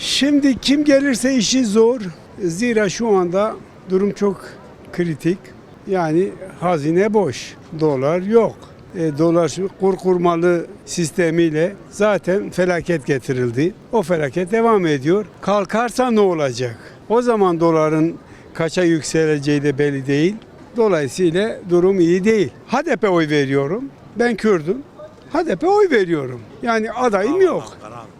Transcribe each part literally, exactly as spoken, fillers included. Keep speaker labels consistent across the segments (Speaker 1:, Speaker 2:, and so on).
Speaker 1: Şimdi kim gelirse işi zor. Zira şu anda durum çok kritik. Yani hazine boş. Dolar yok. E, dolar kur kurmalı sistemiyle zaten felaket getirildi. O felaket devam ediyor. Kalkarsa ne olacak? O zaman doların kaça yükseleceği de belli değil. Dolayısıyla durum iyi değil. H D P oy veriyorum. Ben Kürdüm. H D P oy veriyorum. Yani adayım yok.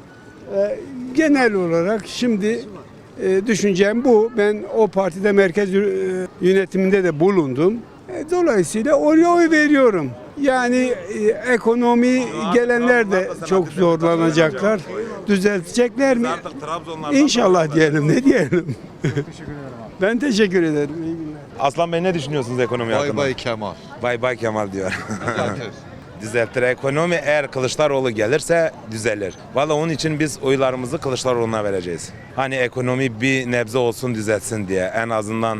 Speaker 1: E, genel olarak şimdi e, düşüncem bu. Ben o partide merkez e, yönetiminde de bulundum. E, dolayısıyla oraya oy veriyorum. Yani e, ekonomi gelenler de çok zorlanacaklar. Düzeltecekler mi? İnşallah diyelim. Ne diyelim? Ben teşekkür ederim. İyi günler.
Speaker 2: Aslan Bey ne düşünüyorsunuz ekonomi
Speaker 3: Bay
Speaker 2: hakkında?
Speaker 3: bay Kemal.
Speaker 2: Bay bay Kemal diyor. Düzeltir. Ekonomi eğer Kılıçdaroğlu gelirse düzelir. Valla onun için biz oylarımızı Kılıçdaroğlu'na vereceğiz. Hani ekonomi bir nebze olsun düzelsin diye. En azından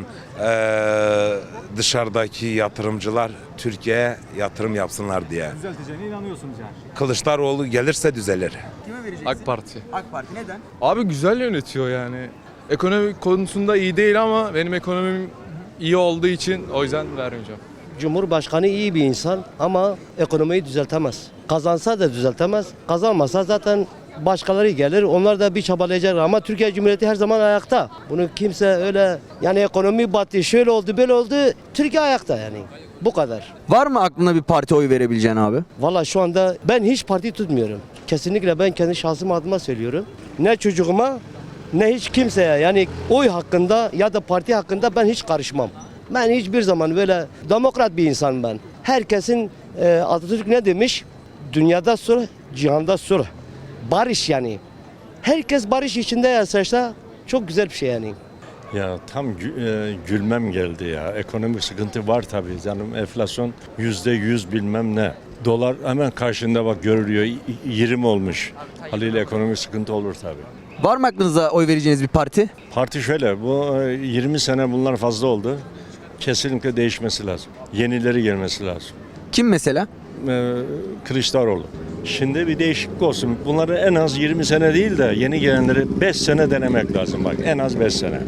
Speaker 2: eee, dışarıdaki yatırımcılar Türkiye'ye yatırım yapsınlar diye.
Speaker 4: Düzelteceğine inanıyorsunuz yani.
Speaker 2: Kılıçdaroğlu gelirse düzelir.
Speaker 4: Kime vereceksin?
Speaker 5: AK Parti.
Speaker 4: AK Parti neden?
Speaker 5: Abi güzel yönetiyor yani. Ekonomi konusunda iyi değil ama benim ekonomim iyi olduğu için o yüzden vermeyeceğim.
Speaker 6: Cumhurbaşkanı iyi bir insan ama ekonomiyi düzeltemez. Kazansa da düzeltemez. Kazanmasa zaten başkaları gelir. Onlar da bir çabalayacaklar ama Türkiye Cumhuriyeti her zaman ayakta. Bunu kimse öyle yani ekonomi battı, şöyle oldu, böyle oldu. Türkiye ayakta yani. Bu kadar.
Speaker 7: Var mı aklına bir parti oy verebileceğin abi?
Speaker 6: Valla şu anda ben hiç parti tutmuyorum. Kesinlikle ben kendi şahsım adıma söylüyorum. Ne çocuğuma ne hiç kimseye yani oy hakkında ya da parti hakkında ben hiç karışmam. Ben hiçbir zaman böyle demokrat bir insanım ben. Herkesin e, Atatürk ne demiş? Dünyada sulh, cihanda sulh. Barış yani. Herkes barış içinde yaşarsa çok güzel bir şey yani.
Speaker 8: Ya tam gü- e, gülmem geldi ya. Ekonomik sıkıntı var tabii canım. Enflasyon yüzde yüz bilmem ne. Dolar hemen karşında bak görülüyor. Y- yirmi olmuş. Haliyle ekonomik sıkıntı olur tabii.
Speaker 7: Var mı aklınıza oy vereceğiniz bir parti?
Speaker 8: Parti şöyle, bu e, yirmi sene bunlar fazla oldu. Kesinlikle değişmesi lazım. Yenileri gelmesi lazım.
Speaker 7: Kim mesela?
Speaker 8: Ee, Kılıçdaroğlu. Şimdi bir değişiklik olsun. Bunları en az yirmi sene değil de yeni gelenleri beş sene denemek lazım bak. En az beş sene.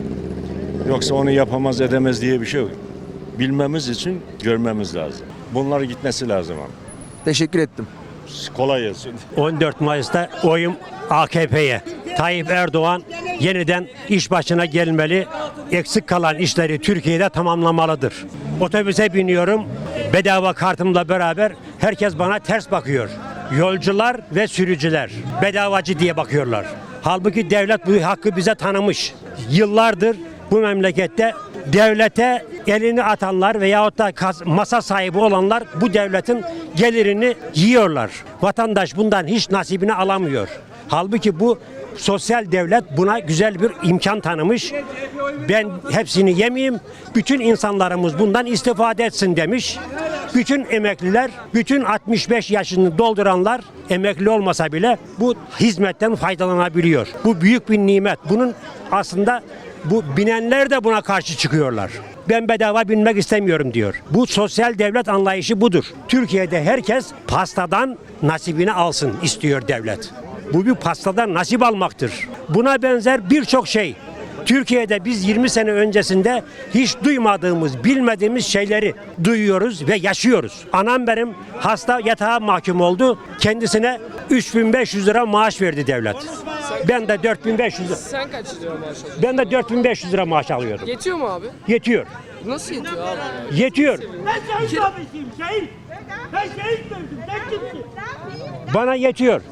Speaker 8: Yoksa onu yapamaz edemez diye bir şey yok. Bilmemiz için görmemiz lazım. Bunlar gitmesi lazım ama.
Speaker 7: Teşekkür ettim.
Speaker 8: Kolay gelsin.
Speaker 9: on dört Mayıs'ta oyum A K P'ye. Tayyip Erdoğan yeniden iş başına gelmeli. Eksik kalan işleri Türkiye'de tamamlamalıdır. Otobüse biniyorum. Bedava kartımla beraber herkes bana ters bakıyor. Yolcular ve sürücüler bedavacı diye bakıyorlar. Halbuki devlet bu hakkı bize tanımış. Yıllardır bu memlekette devlete elini atanlar veyahut da masa sahibi olanlar bu devletin gelirini yiyorlar. Vatandaş bundan hiç nasibini alamıyor. Halbuki bu sosyal devlet buna güzel bir imkan tanımış. Ben hepsini yemeyeyim, bütün insanlarımız bundan istifade etsin demiş. Bütün emekliler, bütün altmış beş yaşını dolduranlar emekli olmasa bile bu hizmetten faydalanabiliyor. Bu büyük bir nimet. Bunun aslında bu binenler de buna karşı çıkıyorlar. Ben bedava binmek istemiyorum diyor. Bu sosyal devlet anlayışı budur. Türkiye'de herkes pastadan nasibini alsın istiyor devlet. Bu bir pastadan nasip almaktır. Buna benzer birçok şey. Türkiye'de biz yirmi sene öncesinde hiç duymadığımız, bilmediğimiz şeyleri duyuyoruz ve yaşıyoruz. Anam benim hasta yatağa mahkum oldu. Kendisine üç bin beş yüz lira maaş verdi devlet. Ben de dört bin beş yüz lira.
Speaker 10: Sen kaç lira maaş alıyorsun?
Speaker 9: Ben de dört bin beş yüz lira maaş alıyordum.
Speaker 10: Yetiyor mu abi?
Speaker 9: Yetiyor.
Speaker 10: Nasıl yetiyor abi?
Speaker 9: Yetiyor.
Speaker 11: Ben şehit abisiyim, şehit. Ben şehit gördüm, sen kimsin?
Speaker 9: Bana yetiyor.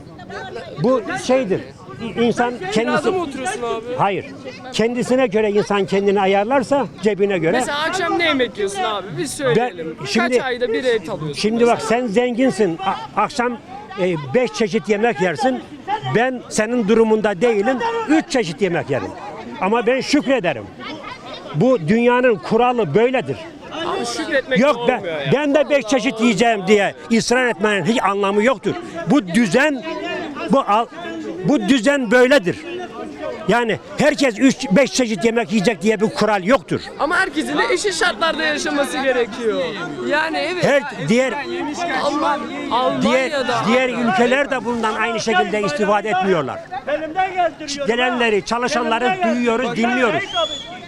Speaker 9: Bu şeydir. İnsan kendisi...
Speaker 10: Kirada mı oturuyorsun abi?
Speaker 9: Hayır. Kendisine göre insan kendini ayarlarsa cebine göre.
Speaker 10: Mesela akşam ne yemek yiyorsun abi? Biz söyleyelim.
Speaker 9: Ben- şimdi-
Speaker 10: Kaç ayda bir et alıyorsun?
Speaker 9: Şimdi bak sen zenginsin. A- akşam e, beş çeşit yemek yersin. Ben senin durumunda değilim. Üç çeşit yemek yerim. Ama ben şükrederim. Bu dünyanın kuralı böyledir.
Speaker 10: Abi şükretmek
Speaker 9: Yok
Speaker 10: olmuyor
Speaker 9: ben,
Speaker 10: ya.
Speaker 9: ben de beş çeşit yiyeceğim diye ısrar etmenin hiç anlamı yoktur. Bu düzen bu al- bu düzen böyledir. Yani herkes üç beş çeşit yemek yiyecek diye bir kural yoktur.
Speaker 10: Ama herkesin de eşit şartlarda yaşaması gerekiyor. Yani evet.
Speaker 9: Her diğer
Speaker 10: Alman,
Speaker 9: diğer
Speaker 10: Almanya'da.
Speaker 9: diğer ülkeler de bundan aynı şekilde istifade etmiyorlar.
Speaker 11: Elimden geldiriyorum.
Speaker 9: Gelenleri, çalışanları
Speaker 11: Elimden gel-
Speaker 9: duyuyoruz,
Speaker 11: Bak,
Speaker 9: dinliyoruz.
Speaker 11: Seyit abi,